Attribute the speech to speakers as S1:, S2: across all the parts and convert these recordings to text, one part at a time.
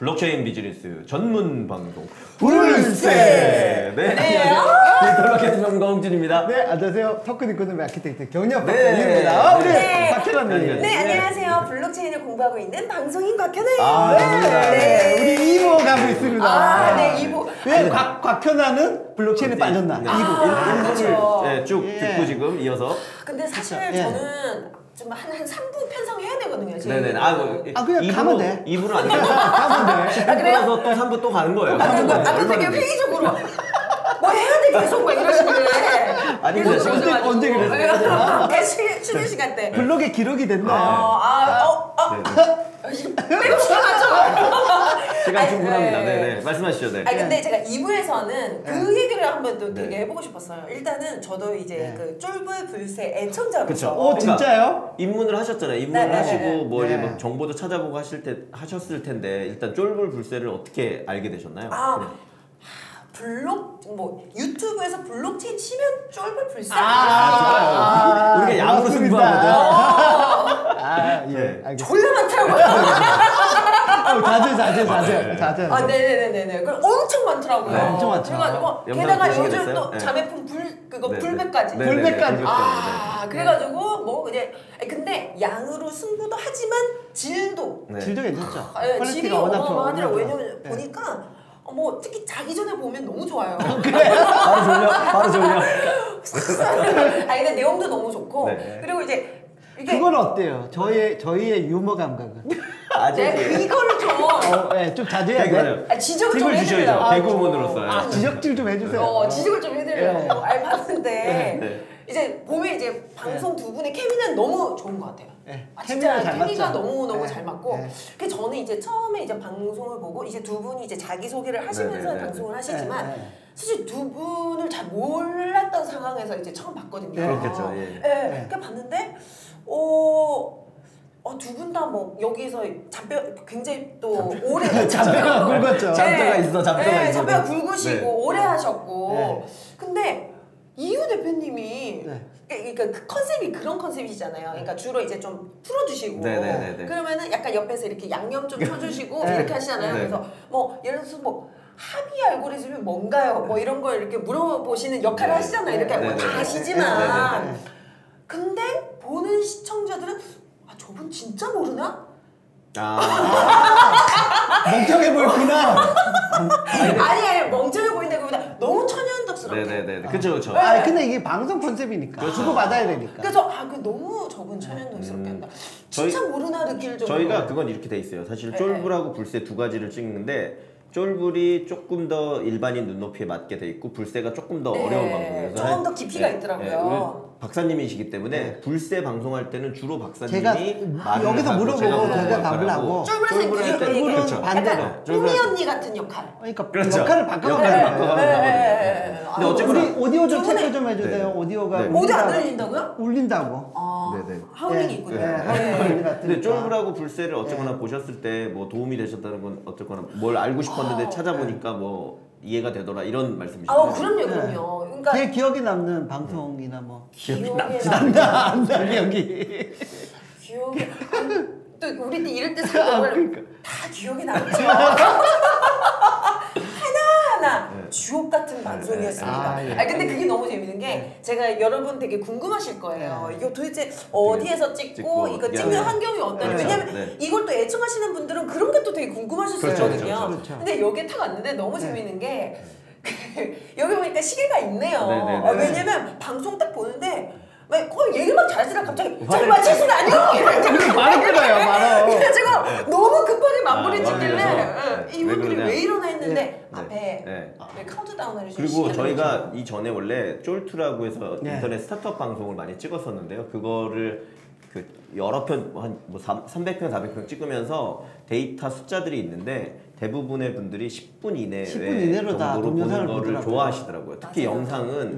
S1: 블록체인 비즈니스 전문 방송
S2: 불세!
S1: 네, 안녕하세요. 디지털 마케팅 전문가 홍준입니다.
S2: 네, 안녕하세요. 토큰 이코노미 아키텍트 경력
S1: 네.
S2: 박사님입니다. 우리
S3: 네.
S2: 박현아님.
S3: 네, 안녕하세요. 블록체인을 공부하고 있는 방송인 곽현아예요.
S2: 네, 우리 2부 가고 있습니다.
S3: 아, 네, 2부.
S2: 왜 곽현아는 블록체인에 빠졌나?
S1: 네.
S2: 2부.
S3: 그렇죠.
S1: 네, 쭉 듣고 지금 이어서.
S3: 근데 사실
S2: 그쵸. 예.
S3: 저는 좀 한 3부 편성해야 되거든요.
S1: 네네.
S2: 그냥 가면 돼.
S1: 2부는 아니고.
S2: 가면 돼.
S1: 10분 끊어서 또 3부 또 가는 거예요.
S3: 아까 되게 회의적으로 뭐 해야 돼 계속 막 이러시는데.
S1: 아닙니다.
S3: 계속
S2: 언제 그랬어요?
S3: 쉬는 시간 때.
S2: 블록에 기록이 됐나요?
S3: 빼고 시간하죠.
S1: 시간 충분합니다. 네네. 말씀하시죠. 네.
S3: 아니 근데 제가 2부에서는 그 얘기를 한번 또 되게 해보고 싶었어요. 일단은 저도 이제 그 쫄불 불새 애청자로서.
S1: 그쵸.
S2: 오, 진짜요?
S1: 입문을 하셨잖아요. 입문을
S3: 네,
S1: 하시고
S3: 네,
S1: 뭐
S2: 네.
S1: 이제 막 정보도 찾아보고 하셨을 텐데 일단 쫄불 불새를 어떻게 알게 되셨나요?
S3: 유튜브에서 블록체인 치면 쫄불 불새.
S1: 좋아요. 우리가 야구로 승부하거든.
S2: 예, 알겠습니다.
S3: 졸라 많더라고요.
S2: 자제.
S3: 네네네네. 그럼 엄청 많더라고요.
S2: 네, 엄청 많죠.
S3: 그래가지고
S1: 영상
S3: 게다가
S1: 보시게
S3: 요즘
S1: 됐어요?
S3: 또
S1: 네.
S3: 자매품
S1: 네,
S3: 불배까지.
S1: 네,
S2: 불배까지.
S1: 네,
S3: 그래가지고 뭐 이제 근데 양으로 승부도 하지만 질도
S1: 네.
S2: 질도 괜찮죠?
S3: 질이
S2: 퀄리티가 워낙
S3: 어마어마하더라고요.
S2: 좋아요.
S3: 왜냐면 보니까 뭐 특히 자기 전에 보면 너무 좋아요.
S1: 바로 졸려.
S3: 근데 내용도 너무 좋고
S1: 네.
S3: 그리고 이제 이게
S2: 그건 어때요? 저희의 유머 감각은?
S3: 이거를 좀
S2: 좀 자제해야 돼.
S3: 지적을 좀
S1: 팁을 주셔야죠.
S3: 해드리려고.
S1: 개그우먼으로서.
S2: 지적질 좀 해주세요.
S3: 지적을 좀 해드리려고 봤는데
S1: 네.
S3: 이제 보면 이제 방송 두 분의 케미는 너무 좋은 것 같아요.
S2: 네.
S3: 진짜
S2: 잘
S3: 케미가
S2: 맞죠?
S3: 너무
S2: 네.
S3: 잘 맞고.
S2: 네.
S3: 그래서 저는 이제 처음에 이제 방송을 보고 이제 두 분이 이제 자기 소개를 하시면서
S1: 네.
S3: 방송을 하시지만
S2: 네.
S3: 사실 두 분을 잘 몰랐던 상황에서 이제 처음 봤거든요.
S1: 그렇겠죠, 예.
S3: 그러니까 봤는데 두 분 다 뭐 여기서 잔뼈 굉장히 또 오래
S2: 잔뼈가 굵었죠.
S1: 잔뼈가 있어, 잔뼈가 있어.
S3: 잔뼈가 굵으시고
S1: 네.
S3: 오래 하셨고.
S2: 네.
S3: 근데 이유 대표님이
S2: 네.
S3: 그러니까 그 컨셉이 그런 컨셉이잖아요. 그러니까 주로 이제 좀 풀어주시고
S1: 네.
S3: 그러면은 약간 옆에서 이렇게 양념 좀 쳐주시고
S2: 네.
S3: 이렇게 하시잖아요.
S1: 네.
S3: 그래서 뭐 예를 들어서 뭐 합의 알고리즘이 뭔가요? 뭐 이런 걸 이렇게 물어보시는 역할을 하시잖아요. 이렇게
S1: 네.
S3: 뭐 다
S1: 네.
S3: 아시지만
S2: 네.
S3: 근데 보는 시청자들은 저분 진짜 모르나?
S2: 멍청해 보였구나.
S3: 아니 멍청해 보인다 그보다 너무 천연덕스럽게.
S1: 네네네. 그쵸.
S2: 근데 이게 방송 컨셉이니까
S1: 그렇죠.
S2: 주고 받아야 되니까.
S3: 그래서 너무 저분 천연덕스럽게 한다. 진짜 모르나 느낄 정도로.
S1: 저희가 그건 이렇게 돼 있어요. 사실
S3: 네.
S1: 쫄불하고 불새 두 가지를 찍는데 쫄불이 조금 더 일반인 눈높이에 맞게 돼 있고 불새가 조금 더
S3: 네.
S1: 어려운 방송이에요.
S3: 조금 더 깊이가 있더라고요.
S1: 우리 박사님이시기 때문에 불새 방송할 때는 주로 박사님이
S2: 제가
S1: 말을
S2: 여기서
S1: 하고
S2: 물어보고
S1: 제가
S2: 답을
S1: 역할을
S2: 하고
S1: 쫄불 할 때
S2: 쫄불은
S1: 그렇죠.
S2: 반대로.
S3: 약간 꾸미 언니 같은 역할.
S2: 그러니까
S1: 그렇죠.
S2: 역할을 바꿔가는
S1: 역할을
S2: 거예요.
S1: 바꿔가는
S3: 근데
S1: 어쨌거나
S2: 우리 오디오 좀
S3: 저번에-
S2: 체크 좀 해주세요.
S1: 네.
S2: 오디오가
S1: 네.
S3: 오디오 안 들린다고요?
S2: 울린다고.
S1: 네네.
S3: 하울링이 있군요.
S2: 네, 하울링 같은.
S1: 근데 쫄불하고 불새를 어쨌거나 보셨을 때 뭐 도움이 되셨다는 건 어쨌거나 뭘 알고 싶었는데 찾아보니까 뭐 이해가 되더라 이런 말씀이시죠?
S3: 그럼요. 그러니까
S2: 제 기억에 남는 방송이나 뭐
S3: 기억에
S2: 안나 기억이.
S3: 기억에 또 우리 때 이럴 때 사람들 다 기억이 남죠. 하나하나 주옥 같은 방송이었습니다.
S2: 예.
S3: 근데 그게 너무 재밌는 게 제가 여러분 되게 궁금하실 거예요. 이거 도대체 어디에서 찍고 이거 찍는 환경이 어떠냐. 왜냐면 이걸 또 애청하시는 분들은 그런 게 또 되게 궁금하실 수 있거든요.
S2: 그렇죠.
S3: 근데 여기에 탁 왔는데 너무 재밌는 게 여기 보니까 시계가 있네요. 왜냐면 방송 딱 보는데 얘기 막 잘하시다가 갑자기 저기 마치시는 아니요?
S2: 말을 끊어요, 말어.
S3: 그래가지고 너무 급하게 마무리 짓길래
S1: 맞아요.
S3: 이분들이
S1: 왜
S3: 왜 이러나 했는데
S1: 네.
S3: 앞에
S1: 네.
S3: 카운트다운을
S1: 그리고 저희가 이 전에 원래 쫄투라고 해서
S2: 네.
S1: 인터넷 스타트업 방송을 많이 찍었었는데요. 그거를 그 여러 편, 한 뭐 300편, 400편 찍으면서 데이터 숫자들이 있는데 대부분의 분들이 10분 이내
S2: 10분 이내로 다
S1: 정도로 보는
S2: 동영상을
S1: 거를
S2: 보더라고요.
S1: 좋아하시더라고요. 특히
S3: 맞아요.
S1: 영상은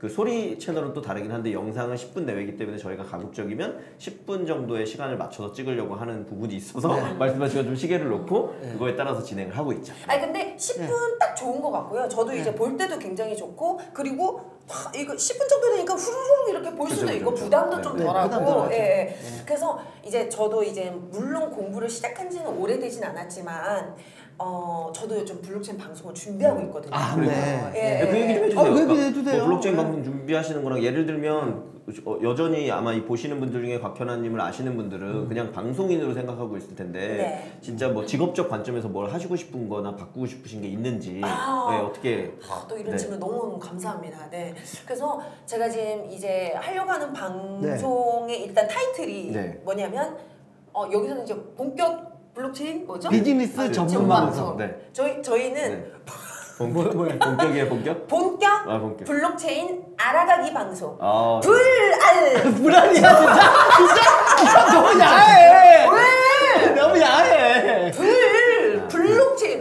S1: 그 소리 채널은 또 다르긴 한데 영상은 10분 내외이기 때문에 저희가 가급적이면 10분 정도의 시간을 맞춰서 찍으려고 하는 부분이 있어서 말씀하신 것처럼 시계를 놓고 그거에 따라서 진행을 하고 있죠.
S3: 아니 근데 10분 딱 좋은 것 같고요. 저도 이제 볼 때도 굉장히 좋고 그리고 이거 10분 정도 되니까 후루룩 이렇게 볼 수도 있고 부담도 좀 덜하고
S2: 부담 덜하죠.
S3: 예. 그래서 이제 저도 이제 물론 공부를 시작한 지는 오래되진 않았지만 저도 요즘 블록체인 방송을 준비하고 있거든요.
S2: 아, 네.
S3: 예.
S1: 그 얘기 좀 해주세요.
S2: 그 얘기
S1: 그러니까
S2: 해주세요.
S1: 뭐 블록체인
S2: 네.
S1: 방송 준비하시는 거랑 예를 들면 여전히 아마 이 보시는 분들 중에 곽현아님을 아시는 분들은 그냥 방송인으로 생각하고 있을 텐데
S3: 네.
S1: 진짜 뭐 직업적 관점에서 뭘 하시고 싶은 거나 바꾸고 싶으신 게 있는지 네, 어떻게
S3: 또 이런
S1: 네.
S3: 질문 너무 감사합니다. 네. 그래서 제가 지금 이제 하려고 하는 방송의 일단 타이틀이
S1: 네.
S3: 뭐냐면 여기서는 이제 본격 블록체인 뭐죠?
S2: 비즈니스 전문 방송.
S1: 네.
S3: 저희는
S1: 네. 본격이에요, 본격?
S3: 본격
S1: 본격.
S3: 블록체인 알아가기 방송.
S1: 아,
S2: 불안이야 진짜 너무 야해. 왜? 너무 야해.
S3: 블록체인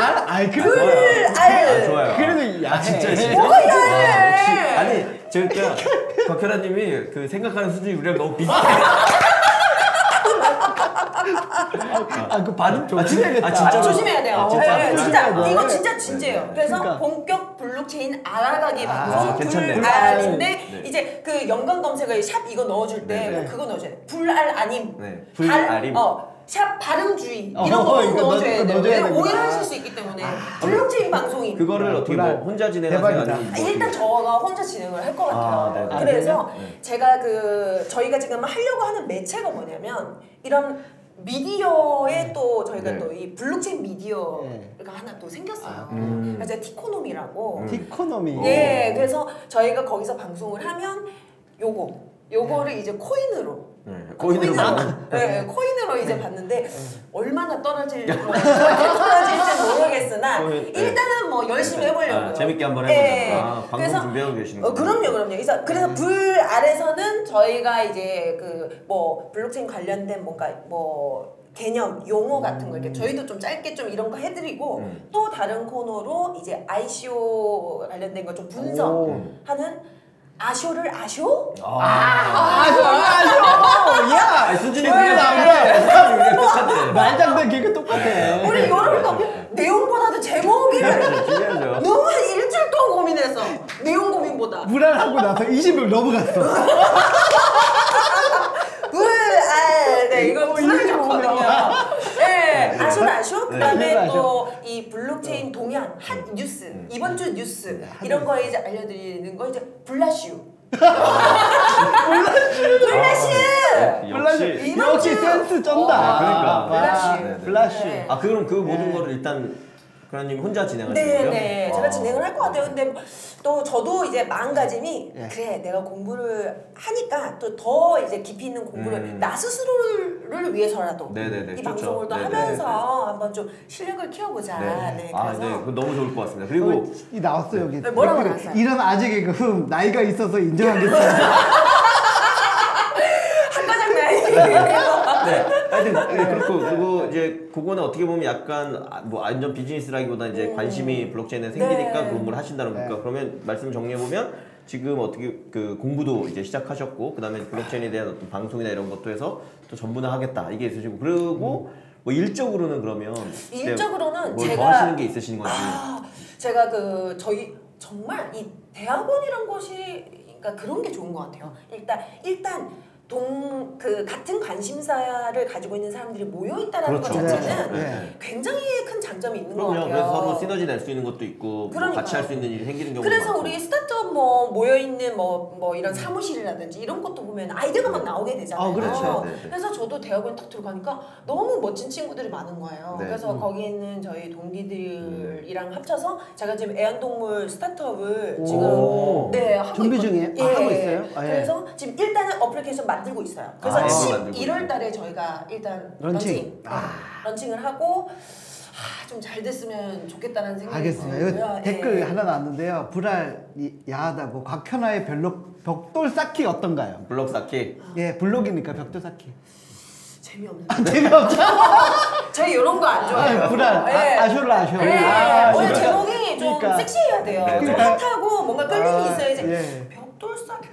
S1: 좋아요.
S2: 그래도 야해.
S1: 진짜.
S3: 뭐가 야해?
S1: 아니, 그러니까 곽현아님이 그 생각하는 수준이 우리랑 너무 비슷해.
S2: 그 발음 조심해야겠다.
S1: 진짜
S3: 조심해야 돼요.
S1: 진짜?
S3: 네, 진짜
S2: 네.
S3: 이거 진짜 진지해요. 그래서
S2: 그러니까.
S3: 본격 블록체인 알아가기 방송
S1: 괜찮네.
S3: 불알인데
S1: 네.
S3: 이제 그 연관 검색어에 샵 이거 넣어줄 때
S2: 네.
S3: 그거 넣어줘야 돼. 불알 아님.
S1: 네. 불알임.
S3: 샵 발음주의 이런 거 꼭
S2: 이거
S3: 넣어줘야 돼요.
S2: 넣어줘야 되구나.
S3: 오해하실 수 있기 때문에 블록체인 방송이
S1: 그거를 어떻게 뭐 혼자 진행하세요?
S2: 대박이다.
S1: 아니면 뭐
S3: 일단 저가 혼자 진행을 할 것 같아요.
S1: 네.
S3: 그래서
S1: 네.
S3: 제가 저희가 지금 하려고 하는 매체가 뭐냐면 이런 미디어에 또 저희가
S1: 네.
S3: 또 이 블록체인 미디어가 하나 또 생겼어요. 그래서 티코노미라고.
S2: 티코노미.
S3: 예, 그래서 저희가 거기서 방송을 하면 요거를 이제 코인으로. 코인으로 이제 봤는데 얼마나 떨어질지 모르겠으나 일단은 뭐 열심히 해보려고요.
S1: 재밌게 한번 해보자. 방송
S3: 그래서
S1: 준비하고 계시는 거예요.
S3: 그럼요. 그래서 불 아래서는 저희가 이제 그 뭐 블록체인 관련된 뭔가 뭐 개념, 용어 같은 거 이렇게 저희도 좀 짧게 좀 이런 거 해드리고 또 다른 코너로 이제 ICO 관련된 거 좀 분석하는 아쇼를 아쇼?
S2: 아쉬워. 야,
S1: 수준이
S2: 똑같아. 말장난 개그 똑같아.
S3: 우리 이런 거 내용보다도 제목이를
S1: 중요하죠.
S3: 너무 한 일주일 동안 고민했어. 내용 고민보다.
S2: 불안하고 나서 20명 넘어갔어.
S3: 네, 이거 불안이 좋거든요. 네, 아쇼. 그다음에
S2: 네.
S3: 또 이 블록체인 동향, 핫 뉴스, 이번 주 뉴스 이런 거에 이제 알려드리는 거 이제 블라슈. 블라슈.
S2: 역시 센스 쩐다.
S1: 그러니까.
S2: 블라슈.
S3: 네.
S1: 그럼 그 모든 거를 일단 그라님 혼자 진행하시는 거죠?
S3: 네. 제가 진행을 할 것 같아요. 근데 또 저도 이제 마음가짐이 그래 내가 공부를 하니까 또 더 이제 깊이 있는 공부를 나 스스로를 위해서라도 이 방송을 또 하면서 한번 좀 실력을 키워보자. 네, 그래서
S1: 그거 너무 좋을 것 같습니다. 그리고
S2: 이 나왔어 여기.
S3: 뭐라고 나왔어요?
S2: 이런 아재 개그 나이가 있어서 인정하겠습니다.
S1: 그리고 이제 그거는 어떻게 보면 약간 뭐 완전 비즈니스라기보다 이제 관심이 블록체인에 생기니까 공부를 하신다는 거니까 그러면 말씀 정리해 보면 지금 어떻게 그 공부도 이제 시작하셨고 그다음에 블록체인에 대한 어떤 방송이나 이런 것도 해서 또 전문화 하겠다 이게 있으시고 그리고 뭐 일적으로는 그러면
S3: 일적으로는
S1: 뭘
S3: 제가
S1: 더 하시는 게 있으신 건지
S3: 제가 저희 정말 이 대학원이란 것이 그러니까 그런 게 좋은 것 같아요. 일단 같은 관심사를 가지고 있는 사람들이 모여 있다라는 것 자체는 굉장히 큰 장점이 있는 것 같아요.
S1: 그래서 서로 시너지 낼 수 있는 것도 있고 뭐 같이 할 수 있는 일이 생기는 경우도
S3: 그래서
S1: 많고.
S3: 우리 스타트업 모여 있는 뭐 이런 사무실이라든지 이런 것도 보면 아이디어가 막 나오게 되잖아요.
S2: 그렇죠.
S3: 그래서 저도 대학원 딱 들어가니까 너무 멋진 친구들이 많은 거예요. 그래서 거기 있는 저희 동기들이랑 합쳐서 제가 지금 애완동물 스타트업을 지금 하고
S2: 준비 중이에요? 하고 있어요?
S3: 그래서 지금 일단은 어플리케이션 만들고 있어요. 그래서 11월 달에 저희가 일단 런칭을 하고 좀 잘 됐으면 좋겠다는 생각이
S2: 알겠습니다.
S3: 들고요.
S2: 이거 댓글 하나 나왔는데요. 불알 야하다고 곽현아의 벽돌 쌓기 어떤가요?
S1: 블록 쌓기.
S2: 예, 블록이니까 벽돌 쌓기.
S3: 재미없는데.
S2: 재미없죠?
S3: 저희 이런 거 안 좋아해요.
S2: 불알. 아쇼를 아쇼.
S3: 오늘 제목이 좀 섹시해야 돼요. 좀 핫하고 뭔가 끌림이 있어야지.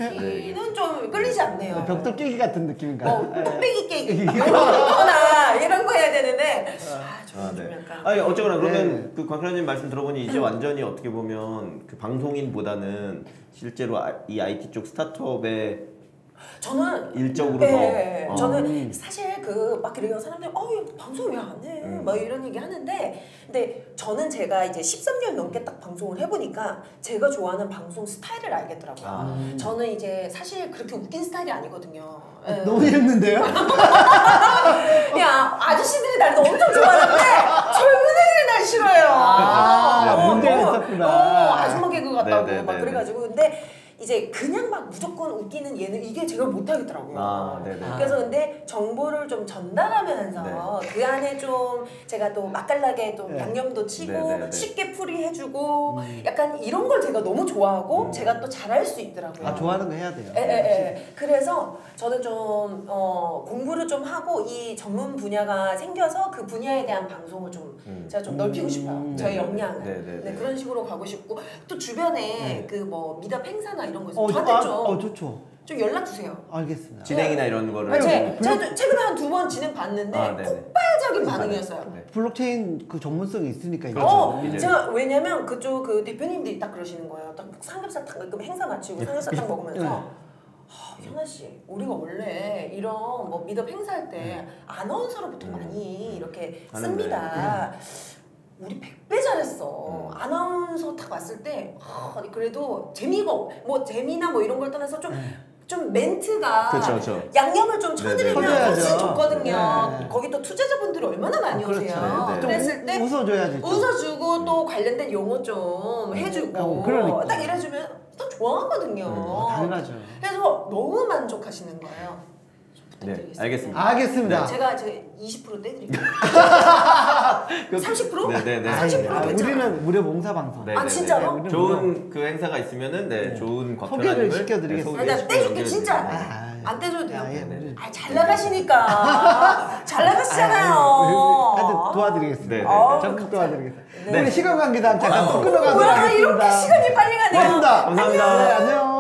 S3: IT는 좀 끌리지 않네요.
S2: 벽돌 깨기 같은 느낌인가요?
S3: 뚝배기 깨기 이런 거나 이런 거 해야 되는데 저는 좀
S1: 네.
S3: 약간
S1: 아니 어쨌거나 그러면
S2: 네.
S1: 그 광클라님 말씀 들어보니 이제 완전히 어떻게 보면 그 방송인보다는 실제로 이 IT 쪽 스타트업에
S3: 저는
S1: 일적으로
S3: 네,
S1: 더
S3: 저는 사실 그 막 그래요 사람들이 방송 왜 안 해? 막 이런 얘기 하는데 근데 저는 제가 이제 13년 넘게 딱 방송을 해보니까 제가 좋아하는 방송 스타일을 알겠더라고요. 저는 이제 사실 그렇게 웃긴 스타일이 아니거든요. 예.
S2: 너무 재밌는데요?
S3: 야 아저씨들이 날 엄청 좋아하는데 젊은 애들이 날 싫어해요.
S2: 문제가
S3: 너무,
S2: 있었구나.
S3: 아줌마 개그 같다고
S1: 네, 네,
S3: 막
S1: 네,
S3: 그래가지고 근데 이제 그냥 막 무조건 웃기는 예능 이게 제가 못하겠더라고요.
S1: 네네.
S3: 그래서 근데 정보를 좀 전달하면서 그 안에 좀 제가 또 맛깔나게 좀 양념도 치고
S1: 네.
S3: 쉽게 풀이해주고 약간 이런 걸 제가 너무 좋아하고 제가 또 잘할 수 있더라고요.
S2: 아 좋아하는 거 해야 돼요.
S3: 그래서 저는 좀 공부를 좀 하고 이 전문 분야가 생겨서 그 분야에 대한 방송을 좀 제가 좀 넓히고 싶어요. 저의 역량을. 네, 그런 식으로 가고 싶고 또 주변에 그 뭐 미답 행사나 이런 거 있어요. 저한테 좀 연락 주세요.
S2: 알겠습니다.
S1: 진행이나 이런 거를
S3: 제가 최근에 한 2번 진행 봤는데 폭발적인 반응이었어요.
S2: 블록체인 그 전문성이 있으니까 이제.
S1: 그렇죠.
S3: 제가 왜냐면 그쪽 그 대표님들이 딱 그러시는 거예요. 딱 삼겹살 딱 행사 마치고 삼겹살 딱 먹으면서 현아 씨, 우리가 원래 이런 뭐 미덥 행사할 때 아나운서로 보통 많이 이렇게 씁니다. 우리 100배 잘했어. 아나운서 딱 왔을 때 그래도 재미가 뭐 재미나 뭐 이런 걸 떠나서 좀 멘트가
S1: 그렇죠.
S3: 양념을 좀 쳐드리면 훨씬 좋거든요.
S2: 네.
S3: 거기 또 투자자분들이 얼마나 많이 오세요.
S1: 그렇죠.
S3: 그랬을 때
S2: 웃어줘야지.
S3: 웃어주고 또 관련된 용어 좀 해주고
S2: 그러니까.
S3: 딱 이래주면 또 좋아하거든요.
S2: 당연하죠.
S3: 그래서 너무 만족하시는 거예요.
S1: 네, 알겠습니다.
S2: 알겠습니다.
S3: 제가 20% 떼드릴게요. 30%?
S1: 네네네.
S3: 30% 괜찮아요.
S2: 우리는 무료 봉사 방송.
S1: 네,
S3: 아, 진짜로?
S2: 네,
S1: 좋은 그 행사가 있으면은
S2: 소개를
S1: 좋은 곽표라님을
S2: 시켜드리겠습니다.
S3: 내가 떼줄게 진짜.
S2: 아,
S3: 안 떼줘도 돼요.
S2: 예.
S3: 잘 나가시니까. 잘 나가시잖아요.
S2: 하여튼 도와드리겠습니다.
S1: 네,
S2: 적극 도와드리겠습니다.
S3: 네.
S2: 우리 시간 관계상 잠깐 또 끊어가도록
S3: 뭐야
S2: 하겠습니다.
S3: 이렇게 시간이 빨리 가네요.
S2: 고맙습니다.
S1: 감사합니다.
S2: 네, 안녕.